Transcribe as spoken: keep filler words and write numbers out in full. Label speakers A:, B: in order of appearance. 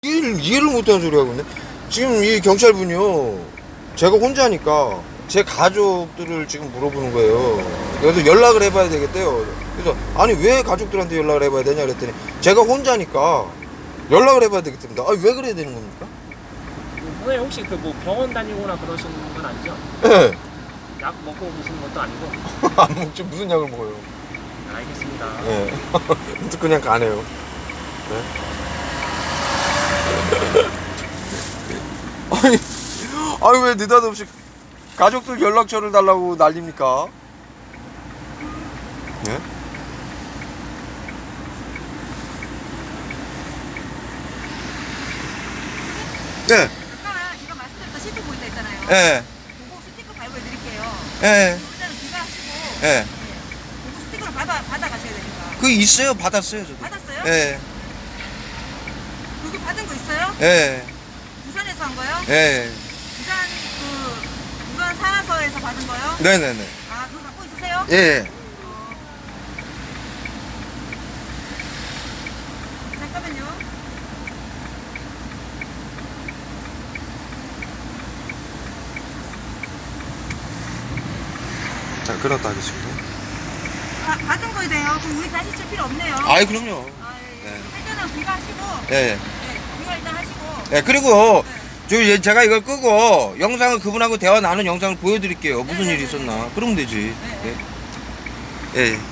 A: 이해를, 이해를 못하는 소리 하고 있네. 지금 이 경찰분이요, 제가 혼자니까 제 가족들을 지금 물어보는 거예요. 그래서 연락을 해봐야 되겠대요. 그래서 아니 왜 가족들한테 연락을 해봐야 되냐 그랬더니 제가 혼자니까 연락을 해봐야 되겠답니다. 아, 왜 그래야 되는 겁니까?
B: 선생님 혹시 그 뭐 병원 다니거나 그러시는 건 아니죠?
A: 네.
B: 약 먹고 계시는 것도 아니고?
A: 안 먹죠. 무슨 약을 먹어요?
B: 알겠습니다.
A: 네. 그냥 가네요. 네. 아니, 아니 왜 느닷없이 가족들 연락처를 달라고 난립니까? 네? 네.
C: 아까 제가 말씀드렸던 시트 보인다 했잖아요.
A: 예.
C: 그거 스티커 발부해드릴게요.
A: 예.
C: 일단은 귀가하시고
A: 예.
C: 네. 그거 스티커를 받아, 받아가셔야 되니까.
A: 그 있어요. 받았어요, 저도.
C: 받았어요?
A: 예.
C: 그거 받은 거 있어요?
A: 예.
C: 부산에서 한 거요?
A: 예.
C: 부산 그 부산 산하서에서 받은 거요?
A: 네네네.
C: 아 그거 갖고 있으세요?
A: 예.
C: 어. 잠깐만요.
A: 자, 끊었다 하겠습니다.
C: 아, 받은 거에 대해요. 그럼 우리 다시 칠 필요 없네요.
A: 아이, 그럼요.
C: 아, 예, 예.
A: 네.
C: 일단은 귀가하시고
A: 예.
C: 네, 귀가 일단 하시고
A: 예, 그리고
C: 네.
A: 저 얘- 제가 이걸 끄고 영상을 그분하고 대화 나눈 영상을 보여드릴게요. 무슨
C: 네,
A: 일이
C: 네, 네,
A: 있었나. 그러면 되지.
C: 네, 네.
A: 예. 예.